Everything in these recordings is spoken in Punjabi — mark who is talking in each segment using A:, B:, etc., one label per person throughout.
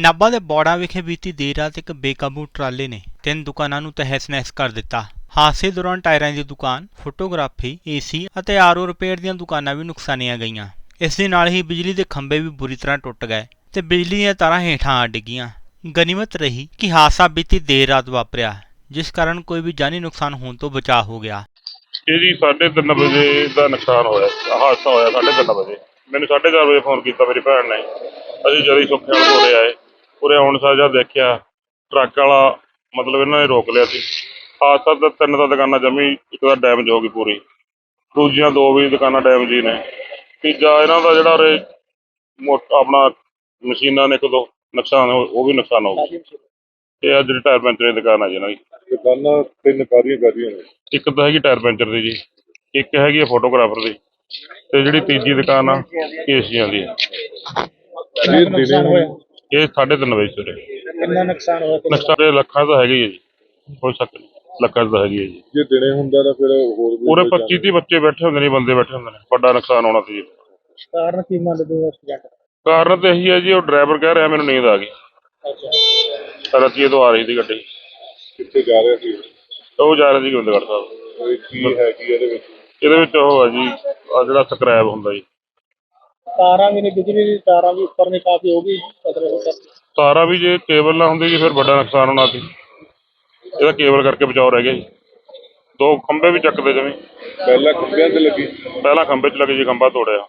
A: ਨਾਭਾ ਦੇ ਬੌੜਾ ਵਿਖੇ ਬੀਤੀ ਦੇਰ ਰਾਤ ਇੱਕ ਬੇਕਾਬੂ ਟਰਾਲੇ ਨੇ 3 ਦੁਕਾਨਾਂ ਨੂੰ ਤਹਿਸ-ਨਹਿਸ ਕਰ ਦਿੱਤਾ। ਹਾਦਸੇ ਦੌਰਾਨ ਟਾਇਰਾਂ ਦੀ ਦੁਕਾਨ, ਫੋਟੋਗ੍ਰਾਫੀ, ਏਸੀ ਅਤੇ ਆਰਓ ਰਿਪੇਅਰ ਦੀਆਂ ਦੁਕਾਨਾਂ ਵੀ ਨੁਕਸਾਨੀਆਂ ਗਈਆਂ। ਇਸ ਦੇ ਨਾਲ ਹੀ ਬਿਜਲੀ ਦੇ ਖੰਭੇ ਵੀ ਬੁਰੀ ਤਰ੍ਹਾਂ ਟੁੱਟ ਗਏ ਤੇ ਬਿਜਲੀ ਦੀਆਂ ਤਾਰਾਂ ਹੇਠਾਂ ਆ ਡਿੱਗੀਆਂ। ਗਨੀਮਤ ਰਹੀ ਕਿ ਹਾਦਸਾ ਬੀਤੀ ਦੇਰ ਰਾਤ ਵਾਪਰਿਆ, ਜਿਸ ਕਾਰਨ ਕੋਈ ਵੀ ਜਾਨੀ ਨੁਕਸਾਨ ਹੋਣ ਤੋਂ ਬਚਾਅ ਹੋ ਗਿਆ।
B: ਇਹ ਜੀ 3:30 ਵਜੇ ਦਾ ਨੁਕਸਾਨ ਹੋਇਆ, ਹਾਦਸਾ ਹੋਇਆ 3:30 ਵਜੇ। ਮੈਨੂੰ 4:30 ਵਜੇ ਫੋਨ ਕੀਤਾ ਮੇਰੀ ਭੈਣ ਨੇ। ਅਸੀਂ ਜਦੋਂ ਸੁੱਖੇ ਵਾਲੇ ਉਰੇ ਆਏ, ਉਰੇ ਆਉਣ ਸਾਰ ਜਦ ਦੇਖਿਆ ਟਰੱਕ ਵਾਲਾ ਮਤਲਬ ਇਹਨਾਂ ਨੇ ਰੋਕ ਲਿਆ ਸੀ। ਹਾਦਸਾ ਤਾਂ 3 ਤਾਂ ਦੁਕਾਨਾਂ ਜਮੀ, ਇੱਕ ਤਾਂ ਡੈਮੇਜ ਹੋ ਗਈ ਪੂਰੀ, ਦੂਜੀਆਂ 2 ਵੀ ਦੁਕਾਨਾਂ ਡੈਮੇਜ ਹੀ ਨੇ। ਤੀਜਾ ਇਹਨਾਂ ਦਾ ਜਿਹੜਾ ਉਰੇ ਆਪਣਾ ਮਸ਼ੀਨਾਂ ਨੇ 1-2 ਨੁਕਸਾਨ ਉਹ ਵੀ ਨੁਕਸਾਨ ਹੋ ਗਿਆ। ਇਹ ਆ ਜਿਹੜੀ ਟਾਇਰ ਪੈਂਚਰ ਦੀ ਦੁਕਾਨ ਆ ਜੀ ਇਹਨਾਂ ਦੀ।
C: ਦੁਕਾਨਾਂ 3 ਕਾਹਦੀਆਂ ਨੇ?
B: ਇੱਕ ਤਾਂ ਹੈਗੀ ਟਾਇਰ ਪੈਂਚਰ ਦੀ ਜੀ, ਇੱਕ ਹੈਗੀ ਆ ਫੋਟੋਗ੍ਰਾਫਰ ਦੀ, ਤੇ ਜਿਹੜੀ ਤੀਜੀ ਦੁਕਾਨ ਆ ਏਸੀਆਂ ਦੀ।
C: ਇਹ ਦਿਨੇ ਹੋਇਆ?
B: ਇਹ 3:30 ਵਜੇ ਸਵੇਰੇ।
C: ਕਿੰਨਾ ਨੁਕਸਾਨ ਹੋਇਆ?
B: ਨੁਕਸਾਨ ਲੱਖਾਂ ਦਾ ਹੈਗਾ ਹੀ ਹੈ ਜੀ, ਕੋਈ ਸ਼ੱਕ ਨਹੀਂ, ਲੱਖਾਂ ਦਾ ਹੈਗੀ ਹੈ ਜੀ।
C: ਜੇ ਦਿਨੇ ਹੁੰਦਾ ਤਾਂ ਫਿਰ ਹੋਰ ਵੀ
B: ਪੂਰੇ 25-30 ਬੱਚੇ ਬੈਠੇ ਹੁੰਦੇ ਨੇ, ਬੰਦੇ ਬੈਠੇ ਹੁੰਦੇ ਨੇ, ਵੱਡਾ ਨੁਕਸਾਨ ਹੋਣਾ ਸੀ ਜੀ।
C: ਕਾਰਨ ਕੀ ਮੰਨਦੇ ਹੋ ਐਕਸੀਡੈਂਟ?
B: ਕਾਰਨ ਤਾਂ ਇਹੀ ਹੈ ਜੀ, ਉਹ ਡਰਾਈਵਰ ਕਹਿ ਰਿਹਾ ਮੈਨੂੰ ਨੀਂਦ ਆ ਗਈ।
C: ਅੱਛਾ,
B: ਰਤੀਏ ਤੋਂ ਆ ਰਹੀ ਸੀ ਗੱਡੀ।
C: ਕਿੱਥੇ ਜਾ ਰਿਹਾ ਸੀ?
B: ਉਹ ਜਾ ਰਹੇ ਸੀ ਗੋਬਿੰਦਗੜ੍ਹ ਸਾਹਿਬ।
C: ਇਹ ਕੀ ਹੈ ਕੀ ਇਹਦੇ ਵਿੱਚ?
B: ਇਹਦੇ ਵਿੱਚ ਉਹ ਹੈ ਜੀ, ਆ ਜਿਹੜਾ ਸਕ੍ਰੈਪ ਹੁੰਦਾ ਜੀ।
C: ਤਾਰਾਂ ਵੀ ਨੇ, ਬਿਜਲੀ ਦੀ ਤਾਰਾਂ ਵੀ ਉੱਪਰ ਨੇ ਕਾਫੀ ਹੋ ਗਈ।
B: ਤਾਰਾਂ ਵੀ ਜੇ ਕੇਬਲ ਨਾ ਹੁੰਦੀ ਜੀ ਫਿਰ ਵੱਡਾ ਨੁਕਸਾਨ ਹੋਣਾ ਸੀ। ਇਹਦਾ ਕੇਬਲ ਕਰਕੇ ਬਚਾਓ ਰਹਿ ਗਿਆ ਜੀ। 2 ਖੰਭੇ ਵੀ ਚੱਕਦੇ ਜਿਵੇਂ।
C: ਪਹਿਲਾਂ ਖੰਭਿਆਂ ਤੇ ਲੱਗੀ?
B: ਪਹਿਲਾਂ ਖੰਭੇ 'ਚ ਲੱਗੇ ਜੀ, ਖੰਭਾ ਤੋੜਿਆ।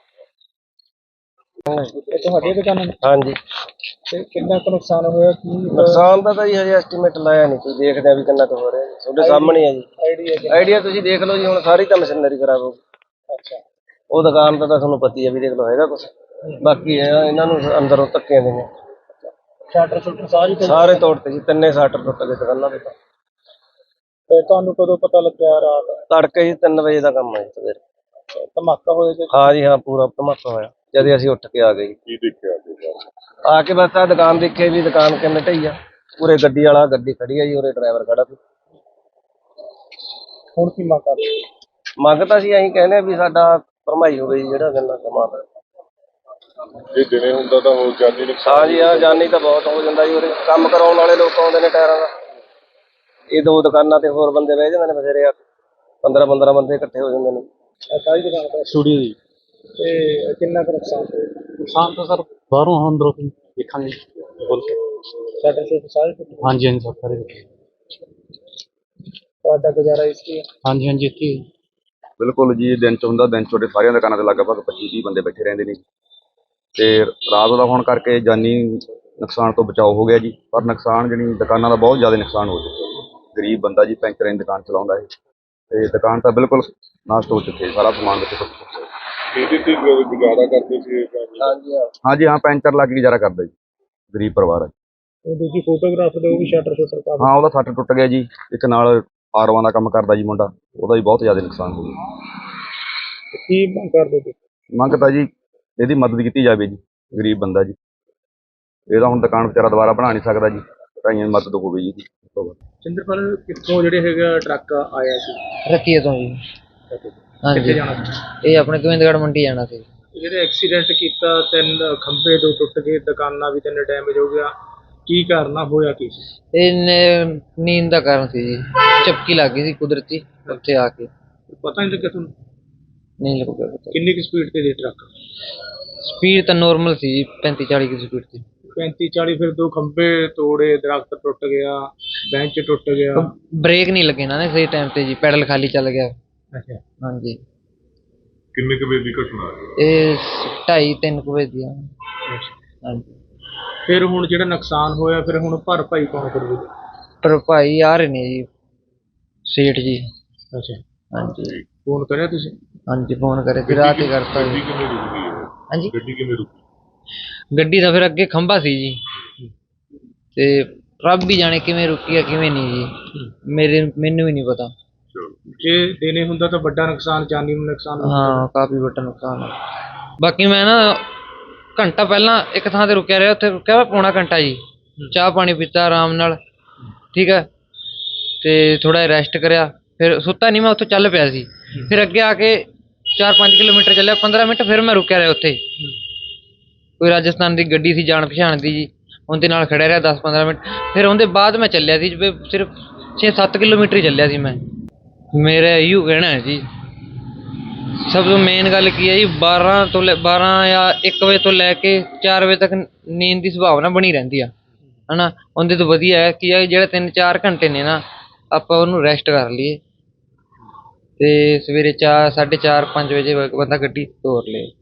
C: ਇਹ ਤੁਹਾਡੀ ਦੁਕਾਨ ਹੈ?
D: ਹਾਂਜੀ।
C: ਤੇ ਕਿੰਨਾ ਕੁ ਨੁਕਸਾਨ ਹੋਇਆ? ਕੀ
D: ਨੁਕਸਾਨ ਦਾ ਤਾਂ ਜੀ ਹਜੇ ਐਸਟੀਮੇਟ ਲਾਇਆ ਨਹੀਂ, ਕੋਈ ਦੇਖਦੇ ਆ ਵੀ ਕਿੰਨਾ ਕੁ ਹੋ ਰਿਹਾ ਜੀ। ਤੁਹਾਡੇ ਸਾਹਮਣੇ ਹੈ ਜੀ ਆਈਡੀਆ, ਤੁਸੀਂ ਦੇਖ ਲਓ ਜੀ। ਹੁਣ ਸਾਰੀ ਤਾਂ ਮਸ਼ੀਨਰੀ ਖਰਾਬ ਹੋ ਗਈ।
C: ਅੱਛਾ,
D: ਉਹ ਦੁਕਾਨ ਦਾ ਤਾਂ ਤੁਹਾਨੂੰ ਪਤਾ ਹੀ ਹੈ ਵੀ, ਦੇਖ ਲਓ ਹੈਗਾ ਕੁਛ। ਬਾਕੀ ਇਹਨਾਂ ਨੂੰ ਅੰਦਰੋਂ ਧੱਕੇ ਦੇ ਨੇ।
C: ਸ਼ਟਰ ਸ਼ਟਰ
D: ਸਾਰੇ ਤੋੜਤੇ ਜੀ, 3 ਸ਼ਟਰ ਟੁੱਟ ਗਏ ਦੁਕਾਨਾਂ ਦੇ।
C: ਤੇ ਤੁਹਾਨੂੰ ਕਦੋਂ ਪਤਾ ਲੱਗਿਆ? ਰਾਤ
D: ਤੜਕੇ ਜੀ 3 ਵਜੇ ਦਾ ਕੰਮ ਹੈ ਜੀ ਸਵੇਰੇ।
C: ਧਮਾਕਾ ਹੋਇਆ ਜੀ?
D: ਹਾਂ ਜੀ ਹਾਂ, ਪੂਰਾ ਧਮਾਕਾ ਹੋਇਆ ਜਦ ਅਸੀਂ ਉੱਠ ਕੇ ਆ ਗਏ ਜੀ।
C: ਕੀ ਦੇਖਿਆ?
D: ਆ ਕੇ ਬਸ ਆ ਦੁਕਾਨ ਦੇਖੇ ਵੀ ਦੁਕਾਨ ਕਿੰਨੇ ਢਈ ਆ। ਉਰੇ ਗੱਡੀ ਵਾਲਾ ਗੱਡੀ ਖੜੀ ਆ ਜੀ, ਉਰੇ ਡਰਾਈਵਰ ਖੜਾ ਸੀ।
C: ਹੁਣ ਕੀ ਮੰਗ ਕਰਦੇ?
D: ਮੰਗ ਤਾਂ ਅਸੀਂ ਇਹੀ ਕਹਿੰਦੇ ਆ ਵੀ ਸਾਡਾ ਭਰਮਾਈ ਹੋਵੇ ਜੀ, ਜਿਹੜਾ ਗੰਨਾ ਸਮਾਨ ਹੈ।
C: ਜੇ ਦਿਨੇ ਹੁੰਦਾ ਤਾਂ ਹੋਰ ਜਾਨੀ ਨੁਕਸਾਨ?
D: ਹਾਂ ਜੀ ਹਾਂ, ਜਾਨੀ ਤਾਂ ਬਹੁਤ ਹੋ ਜਾਂਦਾ ਜੀ। ਉਰੇ ਕੰਮ ਕਰਾਉਣ ਵਾਲੇ ਲੋਕ ਆਉਂਦੇ ਨੇ ਟਾਇਰਾਂ ਦਾ। ਇਹ 2 ਦੁਕਾਨਾਂ ਤੇ ਹੋਰ ਬੰਦੇ ਬਹਿ ਜਾਂਦੇ ਨੇ ਬਥੇਰੇ, 15-15 ਬੰਦੇ ਇਕੱਠੇ ਹੋ ਜਾਂਦੇ ਨੇ।
C: ਸਾਰੀ ਦੁਕਾਨ ਤੇ
D: ਸਟੂਡੀਓ ਦੀ।
C: ਤੇ ਕਿੰਨਾ ਕੁ ਨੁਕਸਾਨ ਹੋਇਆ?
D: ਨੁਕਸਾਨ ਤਾਂ ਸਰ ਬਾਹਰੋਂ ਅੰਦਰੋਂ ਦੇਖਾਂਗੇ।
C: ਸ਼ਟਰ ਸ਼ਟਰ ਸਾਰੇ ਟੁੱਟੇ?
D: ਹਾਂਜੀ ਹਾਂਜੀ ਸਰ, ਸਾਰੇ।
C: ਤੁਹਾਡਾ ਗੁਜ਼ਾਰਾ ਇਸ ਕੀ?
D: ਹਾਂਜੀ ਹਾਂਜੀ, ਇੱਥੇ
E: ਬਿਲਕੁਲ ਜੀ। ਦਿਨ 'ਚ ਹੁੰਦਾ, ਦਿਨ 'ਚ ਤੁਹਾਡੇ ਸਾਰੀਆਂ ਦੁਕਾਨਾਂ ਤੇ ਲਗਭਗ 25-30 ਬੰਦੇ ਬੈਠੇ ਰਹਿੰਦੇ ਨੇ ਤੇ ਰਾਤ ਦਾ ਹੋਣ ਕਰਕੇ ਜਾਨੀ ਨੁਕਸਾਨ ਤੋਂ ਬਚਾਓ ਹੋ ਗਿਆ ਜੀ। ਪਰ ਨੁਕਸਾਨ ਜਿਹੜੀ ਦੁਕਾਨਾਂ ਦਾ ਬਹੁਤ ਜ਼ਿਆਦਾ ਨੁਕਸਾਨ ਹੋ ਚੁੱਕਿਆ ਜੀ। ਗਰੀਬ ਬੰਦਾ ਜੀ ਪੈਂਚਰਾਂ ਦੀ ਦੁਕਾਨ ਚਲਾਉਂਦਾ ਹੈ ਤੇ ਦੁਕਾਨ ਤਾਂ ਬਿਲਕੁਲ ਨਾਸ਼ ਹੋ ਚੁੱਕੀ ਹੈ, ਸਾਰਾ ਸਮਾਨ ਵਿੱਚ ਟੁੱਟ ਚੁੱਕਿਆ।
C: ਇਹਦੇ ਤੇ ਗੁਜ਼ਾਰਾ ਕਰਦੇ ਸੀ?
D: ਹਾਂਜੀ ਹਾਂ।
E: ਹਾਂਜੀ ਹਾਂ, ਪੈਂਚਰ ਲੱਗ ਕੇ ਗੁਜ਼ਾਰਾ ਕਰਦਾ ਜੀ, ਗਰੀਬ ਪਰਿਵਾਰ ਹੈ।
C: ਉਹ ਦੂਜੀ ਫੋਟੋਗ੍ਰਾਫਰ ਦੇ ਉਹ ਵੀ ਸ਼ਟਰ ਸ਼ਟਰ ਕਾਫੀ?
E: ਹਾਂ, ਉਹਦਾ ਸੱਟ ਟੁੱਟ ਗਿਆ ਜੀ। ਇੱਕ ਨਾਲ ਆਰਵਾਂ ਦਾ ਕੰਮ ਕਰਦਾ ਜੀ ਮੁੰਡਾ, ਉਹਦਾ ਵੀ ਬਹੁਤ ਜ਼ਿਆਦਾ ਨੁਕਸਾਨ ਹੋ ਗਿਆ।
C: ਕੀ ਮੰਗ ਕਰਦੇ ਤੁਸੀਂ?
E: ਮੰਗ ਤਾਂ ਜੀ ਇਹਦੀ ਮਦਦ ਕੀਤੀ ਜਾਵੇ ਜੀ, ਗਰੀਬ ਬੰਦਾ ਜੀ। ਇਹਦਾ ਹੁਣ ਦੁਕਾਨ ਵਿਚਾਰਾ ਦੁਬਾਰਾ ਬਣਾ ਨਹੀਂ ਸਕਦਾ ਜੀ, ਢਾਈਆਂ ਦੀ ਮਦਦ ਹੋਵੇ ਜੀ।
C: ਸਿੰਦਰਪਾਲ, ਕਿੱਥੋਂ ਜਿਹੜੇ ਹੈਗਾ ਟਰੱਕ ਆਇਆ ਸੀ?
F: ਰਤੀਏ ਤੋਂ ਜੀ। ਹਾਂਜੀ।
C: ਕਿੱਥੇ ਜਾਣਾ ਸੀ?
F: ਇਹ ਆਪਣੇ ਗੋਬਿੰਦਗੜ੍ਹ ਮੰਡੀ ਜਾਣਾ ਸੀ।
C: ਜਿਹੜੇ ਐਕਸੀਡੈਂਟ ਕੀਤਾ, 3 ਖੰਭੇ 2 ਟੁੱਟ ਗਏ, ਦੁਕਾਨਾਂ ਵੀ 3 ਡੈਮੇਜ ਹੋ ਗਿਆ, ਕੀ ਕਾਰਨ ਹੋਇਆ? ਕੀ
F: ਇਹ ਨੀਂਦ ਦਾ ਕਾਰਨ ਸੀ ਜੀ, ਝਪਕੀ ਲੱਗ ਗਈ ਸੀ ਕੁਦਰਤੀ ਉੱਥੇ ਆ ਕੇ।
C: ਪਤਾ ਨਹੀਂ ਲੱਗਿਆ ਤੁਹਾਨੂੰ?
F: ਨਹੀਂ ਲੱਗਿਆ ਪਤਾ।
C: ਕਿੰਨੀ ਕੁ ਸਪੀਡ ਤੇ ਸੀ ਟਰੱਕ?
F: ਸਪੀਡ ਤਾਂ ਨੋਰਮਲ ਸੀ ਜੀ, 35-40 ਦੀ ਸਪੀਡ ਸੀ।
C: 35-40? ਫਿਰ 2 ਖੰਭੇ ਤੋੜੇ, ਦਰਖਤ ਟੁੱਟ ਗਿਆ, ਬੈਂਚ ਟੁੱਟ ਗਿਆ।
F: ਬ੍ਰੇਕ ਨਹੀਂ ਲੱਗੇ ਨਾ ਸਹੀ ਟਾਈਮ ਤੇ ਜੀ, ਪੈਡਲ ਖਾਲੀ ਚੱਲ ਗਿਆ।
C: ਅੱਛਾ,
F: ਹਾਂਜੀ।
C: ਕਿੰਨੇ ਕੁ ਵਜੇ ਦੀ ਘਟਨਾ?
F: ਇਹ 2:30-3 ਵਜੇ ਦੀ ਆ। ਹਾਂਜੀ।
C: ਫਿਰ ਹੁਣ ਜਿਹੜਾ ਨੁਕਸਾਨ ਹੋਇਆ, ਫਿਰ ਹੁਣ ਭਰਪਾਈ ਕੌਣ ਕਰੂਗਾ?
F: ਪਰ ਭਾਈ ਆ ਰਹੇ ਨੇ ਜੀ, ਸੇਠ ਜੀ।
C: ਅੱਛਾ,
F: ਹਾਂਜੀ।
C: ਫੋਨ ਕਰਿਆ ਤੁਸੀਂ?
F: ਹਾਂਜੀ, ਫੋਨ ਕਰੇ ਸੀ, ਰਾਤ ਹੀ ਕਰਤਾ ਜੀ।
C: ਕਿਵੇਂ ਰੁਕੀ?
F: ਹਾਂਜੀ,
C: ਗੱਡੀ ਕਿਵੇਂ ਰੁਕੀ?
F: ਗੱਡੀ ਦਾ ਫਿਰ ਅੱਗੇ ਖੰਭਾ ਸੀ ਜੀ, ਤੇ ਰੱਬ ਵੀ ਜਾਣੇ ਕਿਵੇਂ ਰੁਕੀ ਆ ਕਿਵੇਂ ਨਹੀਂ ਜੀ, ਮੈਨੂੰ ਵੀ ਨਹੀਂ ਪਤਾ।
C: ਜੇ ਦਿਨੇ ਹੁੰਦਾ ਤਾਂ ਵੱਡਾ ਨੁਕਸਾਨ, ਜਾਨੀ ਨੁਕਸਾਨ।
F: ਹਾਂ, ਕਾਫੀ ਵੱਡਾ ਨੁਕਸਾਨ ਆ। ਬਾਕੀ ਮੈਂ ਨਾ ਘੰਟਾ ਪਹਿਲਾਂ ਇੱਕ ਥਾਂ ਤੇ ਰੁਕਿਆ ਰਿਹਾ, ਉੱਥੇ ਰੁਕਿਆ ਪੌਣਾ ਘੰਟਾ ਜੀ, ਚਾਹ ਪਾਣੀ ਪੀਤਾ ਆਰਾਮ ਨਾਲ, ਠੀਕ ਹੈ, ਤੇ ਥੋੜਾ ਜਿਹਾ ਰੈਸਟ ਕਰਿਆ, ਫਿਰ ਸੁੱਤਾ ਨਹੀਂ ਮੈਂ, ਉੱਥੋਂ ਚੱਲ ਪਿਆ ਸੀ। ਫਿਰ ਅੱਗੇ ਆ ਕੇ 4-5 ਕਿਲੋਮੀਟਰ ਚੱਲਿਆ, 15 ਮਿੰਟ, ਫਿਰ ਮੈਂ ਰੁਕਿਆ ਰਿਹਾ ਉੱਥੇ। ਕੋਈ ਰਾਜਸਥਾਨ ਦੀ ਗੱਡੀ ਸੀ ਜਾਣ ਪਛਾਣ ਦੀ ਜੀ, ਉਹਦੇ ਨਾਲ ਖੜਿਆ ਰਿਹਾ 10-15 ਮਿੰਟ। ਫਿਰ ਉਹਦੇ ਬਾਅਦ ਮੈਂ ਚੱਲਿਆ ਸੀ ਵੀ ਸਿਰਫ 6-7 ਕਿਲੋਮੀਟਰ ਹੀ ਚੱਲਿਆ ਸੀ ਮੈਂ। ਮੇਰਾ ਇਹੋ ਕਹਿਣਾ ਹੈ ਜੀ, ਸਭ ਤੋਂ ਮੇਨ ਗੱਲ ਕੀ ਹੈ ਜੀ, 12 ਜਾਂ 1 ਵਜੇ ਤੋਂ ਲੈ ਕੇ 4 ਵਜੇ ਤੱਕ ਨੀਂਦ ਦੀ ਸੰਭਾਵਨਾ ਬਣੀ ਰਹਿੰਦੀ ਆ, ਹੈ ਨਾ। ਉਹਦੇ ਤੋਂ ਵਧੀਆ ਹੈ ਕਿ ਜਿਹੜੇ 3-4 ਘੰਟੇ ਨੇ ਨਾ, ਆਪਾਂ ਉਹਨੂੰ ਰੈਸਟ ਕਰ ਲਈਏ ਅਤੇ ਸਵੇਰੇ 4, 4:30, 5 ਵਜੇ ਬੰਦਾ ਗੱਡੀ ਤੋਰ ਲਏ।